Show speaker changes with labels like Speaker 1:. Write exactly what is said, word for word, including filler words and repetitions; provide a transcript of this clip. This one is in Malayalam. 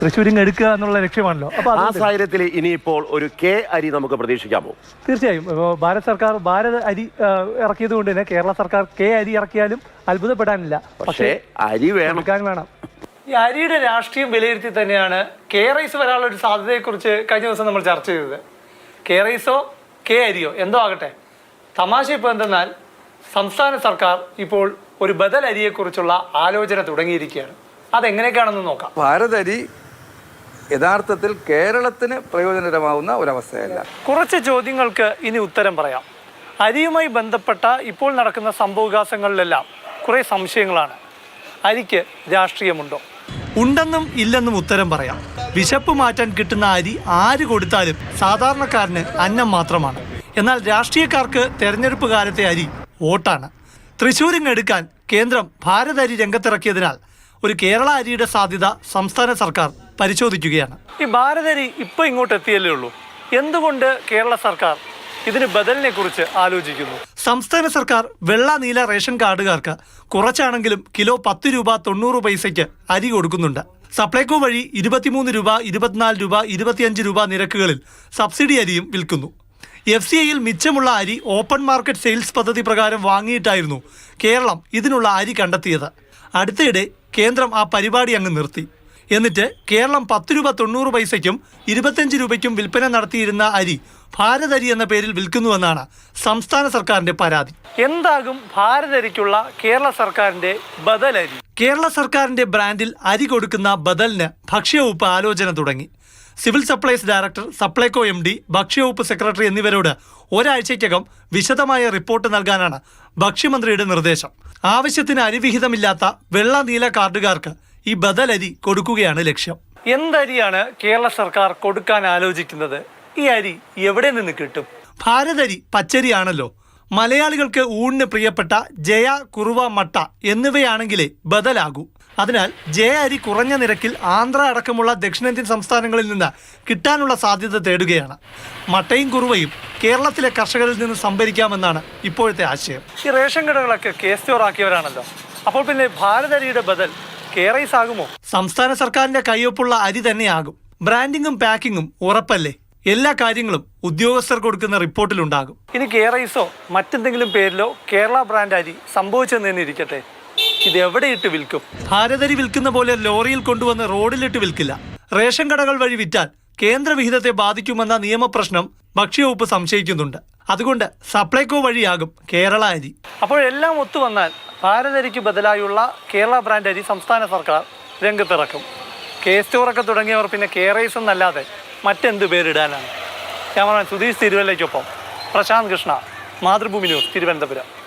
Speaker 1: തൃശ്ശൂരിങ് എടുക്കുക എന്നുള്ള ലക്ഷ്യമാണല്ലോ. അപ്പോൾ
Speaker 2: ആ സാഹചര്യത്തിൽ ഇനിയിപ്പോൾ ഒരു കെ അരി നമുക്ക് പ്രതീക്ഷിക്കാമോ?
Speaker 1: തീർച്ചയായും. ഭാരത് സർക്കാർ ഭാരത് അരി ഇറക്കിയത് കൊണ്ട് തന്നെ കേരള സർക്കാർ കെ അരി ഇറക്കിയാലും അത്ഭുതപ്പെടാനില്ല.
Speaker 2: പക്ഷേ അരി വേണം
Speaker 1: വേണം. ഈ അരിയുടെ രാഷ്ട്രീയം വിലയിരുത്തി തന്നെയാണ് കെ റൈസ് വരാനുള്ള ഒരു സാധ്യതയെക്കുറിച്ച് കഴിഞ്ഞ ദിവസം നമ്മൾ ചർച്ച ചെയ്തത്. കെ റൈസോ കെ അരിയോ എന്തോ ആകട്ടെ, തമാശ ഇപ്പോൾ എന്തെന്നാൽ സംസ്ഥാന സർക്കാർ ഇപ്പോൾ ഒരു ബദൽ അരിയെക്കുറിച്ചുള്ള ആലോചന തുടങ്ങിയിരിക്കുകയാണ്. അതെങ്ങനെയൊക്കെയാണെന്ന് നോക്കാം.
Speaker 3: ഭാരത് അരി യഥാർത്ഥത്തിൽ കേരളത്തിന് പ്രയോജനകരമാവുന്ന ഒരവസ്ഥയല്ല.
Speaker 1: കുറച്ച് ചോദ്യങ്ങൾക്ക് ഇനി ഉത്തരം പറയാം. അരിയുമായി ബന്ധപ്പെട്ട ഇപ്പോൾ നടക്കുന്ന സംഭവവികാസങ്ങളിലെല്ലാം കുറേ സംശയങ്ങളാണ്. അരിക്ക് രാഷ്ട്രീയമുണ്ടോ? ഉണ്ടെന്നും ഇല്ലെന്നും ഉത്തരം പറയാം. വിശപ്പ് മാറ്റാൻ കിട്ടുന്ന അരി ആര് കൊടുത്താലും സാധാരണക്കാരന് അന്നം മാത്രമാണ്. എന്നാൽ രാഷ്ട്രീയക്കാർക്ക് തെരഞ്ഞെടുപ്പ് കാലത്തെ അരി വോട്ടാണ്. തൃശ്ശൂരിങ് എടുക്കാൻ കേന്ദ്രം ഭാരത് അരി രംഗത്തിറക്കിയതിനാൽ ഒരു കേരള അരിയുടെ സാധ്യത സംസ്ഥാന സർക്കാർ പരിശോധിക്കുകയാണ്. ഈ ഭാരത് അരി ഇപ്പോൾ ഇങ്ങോട്ട് എത്തിയല്ലേ ഉള്ളൂ. എന്തുകൊണ്ട് കേരള സർക്കാർ ഇതിന് ബദലിനെ കുറിച്ച് ആലോചിക്കുന്നു? സംസ്ഥാന സർക്കാർ വെള്ള നീല റേഷൻ കാർഡുകാർക്ക് കുറച്ചാണെങ്കിലും കിലോ പത്ത് രൂപ തൊണ്ണൂറ് പൈസയ്ക്ക് അരി കൊടുക്കുന്നുണ്ട്. സപ്ലൈകോ വഴി ഇരുപത്തിമൂന്ന് രൂപ ഇരുപത്തിനാല് രൂപ ഇരുപത്തിയഞ്ച് രൂപ നിരക്കുകളിൽ സബ്സിഡി അരിയും വിൽക്കുന്നു. എഫ് സി ഐയിൽ മിച്ചമുള്ള അരി ഓപ്പൺ മാർക്കറ്റ് സെയിൽസ് പദ്ധതി പ്രകാരം വാങ്ങിയിട്ടായിരുന്നു കേരളം ഇതിനുള്ള അരി കണ്ടെത്തിയത്. അടുത്തിടെ കേന്ദ്രം ആ പരിപാടി അങ്ങ് നിർത്തി. എന്നിട്ട് കേരളം പത്ത് രൂപ തൊണ്ണൂറ് പൈസയ്ക്കും ഇരുപത്തഞ്ച് രൂപയ്ക്കും വിൽപ്പന നടത്തിയിരുന്ന അരി ഭാരത് അരി എന്ന പേരിൽ വിൽക്കുന്നുവെന്നാണ് സംസ്ഥാന സർക്കാരിന്റെ പരാതി. എന്താകും ഭാരത് അരിക്കുള്ള കേരള സർക്കാരിന്റെ ബദൽ അരി? കേരള സർക്കാരിന്റെ ബ്രാൻഡിൽ അരി കൊടുക്കുന്ന ബദലിന് ഭക്ഷ്യവകുപ്പ് ആലോചന തുടങ്ങി. Civil supplies director, Supplyco M D, ഭക്ഷ്യവകുപ്പ് സെക്രട്ടറി എന്നിവരോട് ഒരാഴ്ചയ്ക്കകം വിശദമായ റിപ്പോർട്ട് നൽകാനാണ് ഭക്ഷ്യമന്ത്രിയുടെ നിർദ്ദേശം. ആവശ്യത്തിന് അരിവിഹിതമില്ലാത്ത വെള്ള നീല കാർഡുകാർക്ക് ഈ ബദൽ അരി കൊടുക്കുകയാണ് ലക്ഷ്യം. എന്തരിയാണ് കേരള സർക്കാർ കൊടുക്കാൻ ആലോചിക്കുന്നത്? ഈ അരി എവിടെ നിന്ന് കിട്ടും? ഭാരത് അരി പച്ചരിയാണല്ലോ. മലയാളികൾക്ക് ഊണിന് പ്രിയപ്പെട്ട ജയ, കുറുവ, മട്ട എന്നിവയാണെങ്കിലേ ബദലാകൂ. അതിനാൽ ജയ അരി കുറഞ്ഞ നിരക്കിൽ ആന്ധ്ര അടക്കമുള്ള ദക്ഷിണേന്ത്യൻ സംസ്ഥാനങ്ങളിൽ നിന്ന് കിട്ടാനുള്ള സാധ്യത തേടുകയാണ്. മട്ടയും കുറുവയും കേരളത്തിലെ കർഷകരിൽ നിന്ന് സംഭരിക്കാമെന്നാണ് ഇപ്പോഴത്തെ ആശയം. ഈ റേഷൻ കടകളൊക്കെ കെ സ്റ്റോർ ആക്കിയവരാണല്ലോ. അപ്പോൾ പിന്നെ ഭാരത് അരിയുടെ ബദൽ കെ റൈസ് ആകുമോ? സംസ്ഥാന സർക്കാരിന്റെ കയ്യൊപ്പുള്ള അരി തന്നെയാകും. ബ്രാൻഡിങ്ങും പാക്കിങ്ങും ഉറപ്പല്ലേ? എല്ലാ കാര്യങ്ങളും ഉദ്യോഗസ്ഥർ കൊടുക്കുന്ന റിപ്പോർട്ടിലുണ്ടാകും. ഇനി കെ റൈസോ മറ്റെന്തെങ്കിലും പേരിലോ കേരള ബ്രാൻഡ് അരി സംഭവിച്ചെന്ന് തന്നെ ഇരിക്കട്ടെ, ഇത് എവിടെയിട്ട് വിൽക്കും? ഭാരത് അരി വിൽക്കുന്ന പോലെ ലോറിയിൽ കൊണ്ടുവന്ന് റോഡിലിട്ട് വിൽക്കില്ല. റേഷൻ കടകൾ വഴി വിറ്റാൽ കേന്ദ്ര വിഹിതത്തെ ബാധിക്കുമെന്ന നിയമപ്രശ്നം ഭക്ഷ്യവകുപ്പ് സംശയിക്കുന്നുണ്ട്. അതുകൊണ്ട് സപ്ലൈകോ വഴിയാകും കേരള അരി. അപ്പോഴെല്ലാം ഒത്തുവന്നാൽ ഭാരത് അരിക്ക് ബദലായുള്ള കേരള ബ്രാൻഡ് അരി സംസ്ഥാന സർക്കാർ രംഗത്തിറക്കും. കെ സ്റ്റോറൊക്കെ തുടങ്ങിയവർ പിന്നെ കെ റൈസ് എന്നല്ലാതെ മറ്റെന്ത് പേരിടാനാണ്? ക്യാമറമാൻ സുധീഷ് തിരുവല്ലയ്ക്കൊപ്പം പ്രശാന്ത് കൃഷ്ണ, മാതൃഭൂമി ന്യൂസ്, തിരുവനന്തപുരം.